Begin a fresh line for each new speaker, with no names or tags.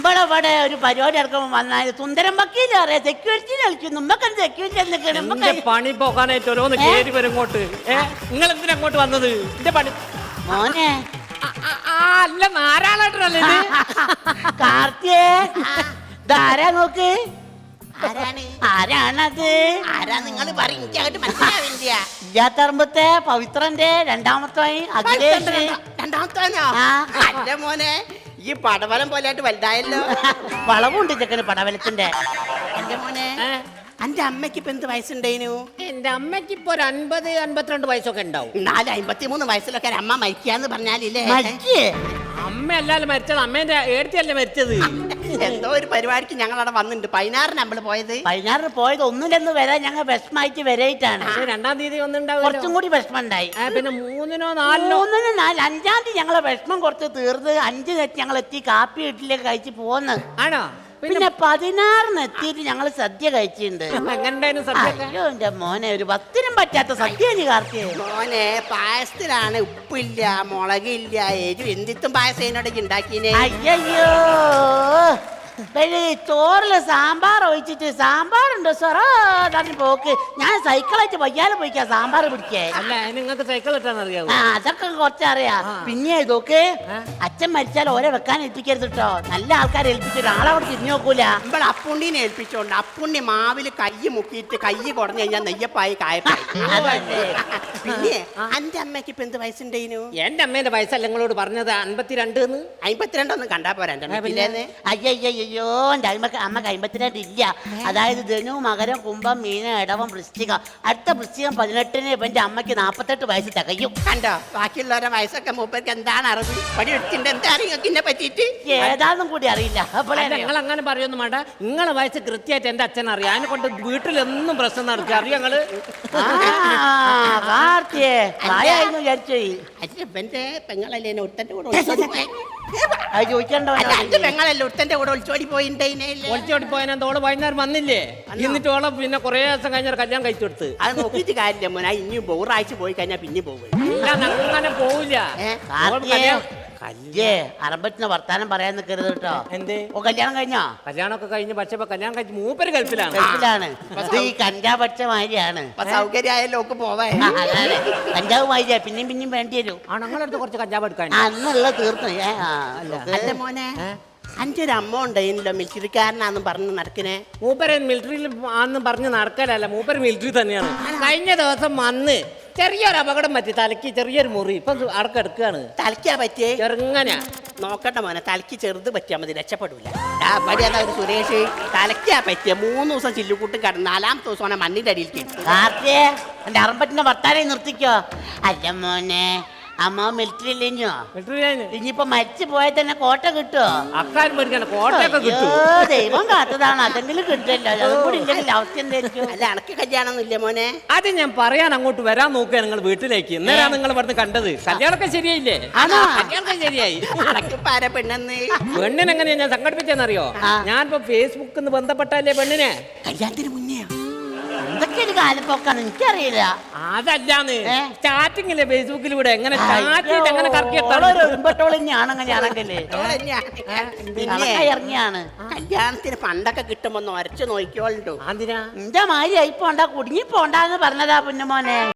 ഇവിടെ ഒരു പരിപാടി ഇറക്കുമ്പോൾ വന്നാൽ സുന്ദരം വക്കീൽ അറിയാം സെക്യൂരിറ്റി കളിക്കുന്നു നമ്മക്ക് സെക്യൂരിറ്റി
പണി പോകാനായിട്ട് ഓരോന്ന് കേറി വരും ഇങ്ങോട്ട്. നിങ്ങൾ എന്തിനാ അങ്ങോട്ട് വന്നത്? എന്റെ പണി
മോനെ
അല്ല നാരാളേട്ടനല്ലേ
കാർത്തിയേ ധാരാ നോക്ക്
ആരാണ്?
ആരാണത്?
ആരാ നിങ്ങൾ പറയും? എനിക്കങ്ങോട്ട് മനസ്സിലാവില്ല.
ഇല്ലാത്തറമ്പത്തെ പവിത്രന്റെ രണ്ടാമത്തെ അഖിലേഷ്.
രണ്ടാമത്താനോ? അല്ല മോനെ, ഈ പടവലം പോലെയായിട്ട് വലുതായല്ലോ.
വളവുണ്ട് ചെക്കന് പടവലത്തിന്റെ.
എന്റെ മോനെ, എന്റെ അമ്മയ്ക്ക് ഇപ്പൊ എന്ത് വയസ്സുണ്ടേനു?
എന്റെ അമ്മയ്ക്ക് ഇപ്പൊ ഒരു 50-52 വയസ്സൊക്കെ ഉണ്ടാവും.
53 വയസ്സിലൊക്കെ അമ്മ മരിക്കാന്ന് പറഞ്ഞാലില്ലേ?
അമ്മ അല്ലാലും മരിച്ചത്, അമ്മേന്റെ ഏടത്തിയല്ലേ മരിച്ചത്.
എന്തോ ഒരു പരിപാടിക്ക് ഞങ്ങൾ അവിടെ വന്നിട്ടുണ്ട്. 16 നമ്മള് പോയത്.
16 പോയത് ഒന്നിലെന്ന് വരാൻ ഞങ്ങൾ വിഷമായിട്ട് വരായിട്ടാണ്.
2-ാം തീയതി ഒന്നുണ്ടാവും,
കുറച്ചും കൂടി വിഷമം ഉണ്ടായി.
പിന്നെ 3-നോ 4-നോ
5-ാം തീയതി ഞങ്ങളെ വിഷമം കുറച്ച് തീർന്ന് 5 ഞങ്ങൾ എത്തി കാപ്പി വീട്ടിലേക്ക് കഴിച്ച് പോന്ന്.
ആണോ?
പിന്നെ 16 എത്തിയിട്ട് ഞങ്ങൾ സദ്യ കഴിച്ചിട്ടുണ്ട്. അയ്യോ എന്റെ മോനെ, ഒരു 10-നും പറ്റാത്ത സദ്യ കാർത്തിയെ.
മോനെ, പായസത്തിലാണ് ഉപ്പില്ല, മുളകില്ല, എരിവ് എന്തിത്തും പായസം എന്നോട് ഉണ്ടാക്കിനെ.
അയ്യോ ചോറില് സാമ്പാർ ഒഴിച്ചിട്ട് സാമ്പാറുണ്ടോ സൊറോ തന്നെ പോക്ക്. ഞാൻ സൈക്കിളായിട്ട് വയ്യാലെ പോയിക്കാ സാമ്പാർ പിടിക്കേ.
അല്ല, നിങ്ങൾക്ക് സൈക്കിൾ കിട്ടാൻ അറിയാവോ?
അതൊക്കെ കുറച്ചറിയാ. പിന്നെ ഇതൊക്കെ അച്ഛൻ മരിച്ചാൽ ഓരെ വെക്കാൻ ഏൽപ്പിക്കരുത് കേട്ടോ. നല്ല ആൾക്കാരെ ഏൽപ്പിച്ചിട്ട് ആളവിടെ തിരിഞ്ഞു നോക്കൂല.
നമ്മൾ അപ്പുണ്ണിനെ ഏൽപ്പിച്ചോണ്ട് അപ്പുണ്ണി മാവില് കൈ മുക്കിയിട്ട് കൈ കുടഞ്ഞു കഴിഞ്ഞാൽ നെയ്യപ്പായി കായപ്പായി. പിന്നെ എന്റെ അമ്മയ്ക്ക് ഇപ്പൊ എന്ത് വയസ്സുണ്ടേനു?
എന്റെ അമ്മേന്റെ വയസ്സല്ല നിങ്ങളോട് പറഞ്ഞത് 52.
52 ഒന്നും കണ്ടാ പോരാ.
അയ്യോ എന്റെ അമ്മക്ക് 52 ഇല്ല. അതായത് ധനു മകരം കുംഭം മീനം ഇടവം വൃശ്ചികം. അടുത്ത വൃശ്ചികം 18-ന് എന്റെ അമ്മയ്ക്ക് 48 വയസ്സ് തികയും.
കണ്ടോ, ബാക്കിയുള്ളവരുടെ വയസ്സൊക്കെ മൂപ്പർക്ക് എന്താണ് അറിവ്? പടി എടുത്തിട്ട് എന്താ അറിയുന്നെ പറ്റിട്ട്
ഏതാന്നും കൂടി അറിയില്ല.
നിങ്ങൾ അങ്ങനെ പറയൊന്നും വേണ്ട. നിങ്ങളെ വയസ്സ് കൃത്യമായിട്ട് എന്റെ അച്ഛൻ അറിയാം. അതിനെ കൊണ്ട് വീട്ടിലെന്നും പ്രശ്നം നടക്കുക. അറിയാം നിങ്ങള്?
എന്റെ പെങ്ങളല്ലേ ഒട്ടന്റെ കൂടെ
ചോദിക്കണ്ടോ?
പെങ്ങളല്ലേ ഒട്ടന്റെ കൂടെ ഒളിച്ചോടി
ഒളിച്ചോടി പോയതോള് വൈകുന്നേരം വന്നില്ലേ? എന്നിട്ട് ഓളെ പിന്നെ കുറെ ദിവസം കഴിഞ്ഞാൽ കല്യാണം കഴിച്ചു കൊടുത്ത്.
അത് നോക്കിയിട്ട് കാര്യമില്ല മോനെ. ഇനിയും ഒരാഴ്ച പോയി കഴിഞ്ഞാൽ പിന്നെ പോകും.
അങ്ങനെ പോവില്ല.
അറമ്പറ്റിന് വർത്താനം പറയാൻ നിൽക്കരുത് കേട്ടോ.
എന്തേ?
കല്യാണം കഴിഞ്ഞോ?
കല്യാണമൊക്കെ കഴിഞ്ഞ് പക്ഷെ കല്യാണം കഴിച്ച് മൂപ്പര് ഗൾഫിലാണ്.
ഈ കഞ്ചാവ് പഠിച്ച മാതിരിയാണ്.
സൗകര്യമായാലും ഒക്കെ പോവാ.
കഞ്ചാവ് മാതിരിയാ പിന്നെയും പിന്നെയും വേണ്ടി വരും.
ഞങ്ങളടുത്ത് കുറച്ച് കഞ്ചാവ് എടുക്കാൻ
അന്നുള്ള തീർന്നു.
അല്ല മോനെ, അന്റെ ഒരു അമ്മ ഉണ്ടായില്ലോ മിലിറ്ററിക്കാരനാന്നും പറഞ്ഞു നടക്കണേ.
മൂപ്പര് മിലിറ്ററിയിൽ ആന്ന് പറഞ്ഞ് നടക്കലല്ല, മൂപ്പര് മിലിറ്ററി തന്നെയാണ്. കഴിഞ്ഞ ദിവസം വന്ന് ചെറിയൊരു അപകടം പറ്റി, തലയ്ക്ക് ചെറിയൊരു മുറി. ഇപ്പൊ അടക്കെടുക്കാണ്.
തലയ്ക്കാ പറ്റിയേ?
ചെറുങ്ങനെ
നോക്കട്ടെ മോനെ, തലയ്ക്ക് ചെറുത് പറ്റിയാൽ മതി, രക്ഷപ്പെടൂല. ഒരു സുരേഷ് തലയ്ക്കാ പറ്റിയ 3 ദിവസം ചില്ലുകൂട്ട് കിടന്ന് 4-ാമത്തെ ദിവസം മണ്ണിന്റെ അടിയിൽ
കാർത്തിയെ എന്റെ അറമ്പറ്റിന്റെ വർത്താനം നിർത്തിക്കോ. അല്ല മോനെ, അമ്മ മിലിറ്ററി ഇല്ലഞ്ഞോ? ഇനിയിപ്പോ മരിച്ചു പോയാൽ തന്നെ കോട്ട കിട്ടുമോ?
അക്കാര്യം പഠിക്കാൻ കോട്ടയൊക്കെ കിട്ടും.
ദൈവം കാത്തതാണ്, അതെങ്കിലും കിട്ടില്ല. അതും കൂടി ഇല്ലെങ്കിൽ അവസ്ഥ എന്തായിരിക്കും?
അല്ല, അനക്ക് കല്യാണം ഇല്ല മോനെ?
അത് ഞാൻ പറയാൻ അങ്ങോട്ട് വരാൻ നോക്കുക നിങ്ങൾ വീട്ടിലേക്ക്. ഇന്നേരാ നിങ്ങൾ ഇവിടുന്ന് കണ്ടത്. കല്യാണമൊക്കെ ശരിയായില്ലേ? കല്യാണമൊക്കെ ശരിയായി. പെണ്ണിനെങ്ങനെയാ ഞാൻ സംഘടിപ്പിച്ചെന്നറിയോ? ഞാനിപ്പോ ഫേസ്ബുക്കിൽ നിന്ന് ബന്ധപ്പെട്ടല്ലേ പെണ്ണിനെ.
കല്യാണത്തിന് മുന്നേ
എന്തൊക്കെ ഒരു കാലപ്പോക്കാണ് എനിക്കറിയില്ല.
അതല്ലാന്ന് സ്റ്റാർട്ടിങ്ങില്ലേ ഫേസ്ബുക്കിലൂടെ എങ്ങനെ എങ്ങനെ
ഇറങ്ങിയാണ്.
കല്യാണത്തിന് പണ്ടൊക്കെ കിട്ടുമ്പോ ഒരച്ചു നോക്കിയോളൂ.
എന്റെ മാതിരി ആയി പോണ്ട, കുടുങ്ങി പോണ്ടെന്ന് പറഞ്ഞതാ പൊന്നുമോനെ.